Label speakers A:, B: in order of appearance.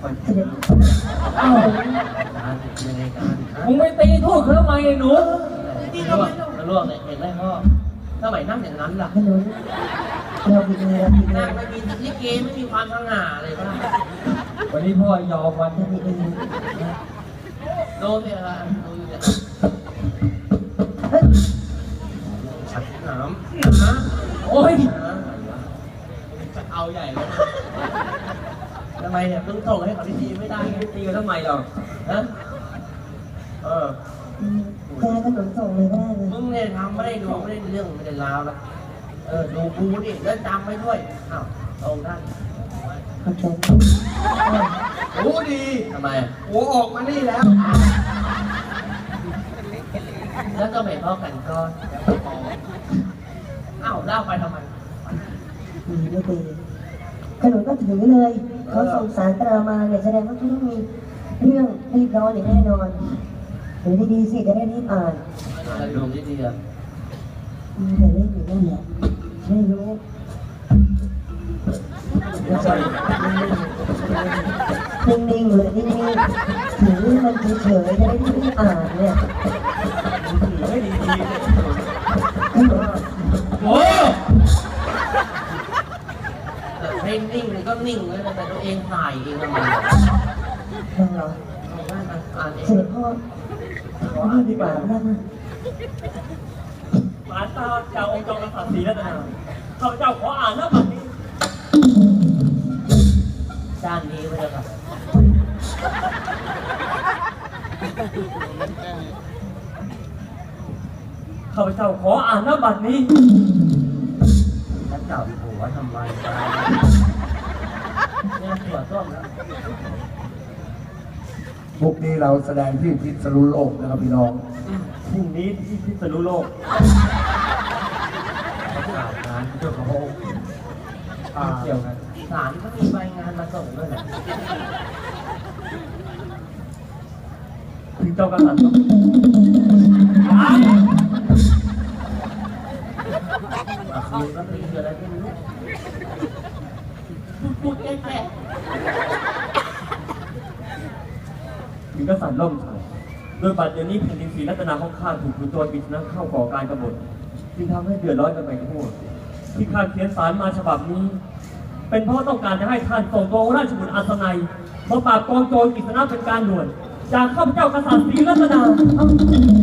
A: เสด็จ
B: อ้าวมึงไม่ตีทูตเขาทำไมไอ้หนูที่ลวกเนี่ยเห็นไหมพ่อสมัยนั่งอย่างนั้นล่ะ
A: ขนุนเราผิดเลยเราผิดเล
B: นั่
A: ย
B: งไม่มีลิเกไม่มีความสง่าเลยป่ะ
C: วันนี้พ่อยอมวัน
A: เราผิดเอง
B: โดนเนี่ยละดูอยู่เนี่ย
A: เฮ้ย
B: ฉัดหนามนะโอ้ยจะเอาใหญ่เลยทำไมเนี่ยเพิ่งส่งให้เขาดีๆไม่ได้ไงตีกันทำไมเราฮะ
A: แค่ขนุนส่งเลยก็ได้เลย
B: มึงเนี่ยทำไม่ได้ดูไม่ได้เรื่องไม่ได้ราวแล้วดูกูดิแล้วจำไว้ด้วยอ้าวตรงท่าน
A: ขอบใจ
D: รู้ดี
B: ทำไม
D: หัวออกมานี่แล้ว
B: แล้วก็ไม่พอกันก้อนอ้าวเล่าไปทำไม
A: ดีไม่ดีขนุนก็ถือเลยเขาส่งสารตรามาเนี่ยแสดงว่าเขาต้องมีเรื่องรีบร้อนอย่างแน่นอนถือดีๆสิจะได้รีบอ่าน
B: อะไรดูดีๆอ่ะ
A: มีแต่เล่นอยู่นั่นแหละไม่รู้นิ่งๆเลยนิ่งๆถือมันเฉยๆจะได้รีบอ่านเนี่ย
C: ไม่ดี
B: โอ้ให้นิ่งเลยก็นิ่งเลยแต่ตัวเองถ่ายเองทำไม
A: ฟังเหรอ
B: อ่านเอ
A: เส
B: ง
A: ด็จพ่อนี่ดีกว่านะ
C: หลานตาเจ้าองค์จอมกษัตริย์ศรีรัตนาข้าพเจ้าขออ่านหน้าบัตรนี้
B: ด้านนี้ไว้เลยครับ
C: ข้าพเจ้าขออ่านหน้าบัตรนี้
B: แล้วจับหัวทำไมเนี่ยหัวส้มแล้ว
D: พวกนี้เราแสดงที่พิษณุโลกนะครับพี่น้อง
C: พรุ่งนี้ที่พิษณุโลก
B: ข่าวงานเจ้าของ
C: เกี่ยวกัน
B: ศาลก็มีใบงานมาส่งด้วยแหละ
C: ถึงเจ้ากษัตริย์ต้อง
B: คือก็ตีอะไรไม่รู้พูดแค่
C: ถึงกษัตริย์ล่มชัยโดยบัดเดี๋ยวนี้แผ่นดินศรีรัตนาของข้าถูกขุนโจรปริศนาเข้าก่อการกบฏจึงทำให้เดือดร้อนกันไปทั่วที่ข้าเขียนสารมาฉบับนี้ เป็นเพราะต้องการจะให้ท่านส่งตัวราชบุตรอัศนัยมาปราบกองโจรปริศนาเป็นการด่วนจากข้าพเจ้ากษัตริย์ศรีรัตนา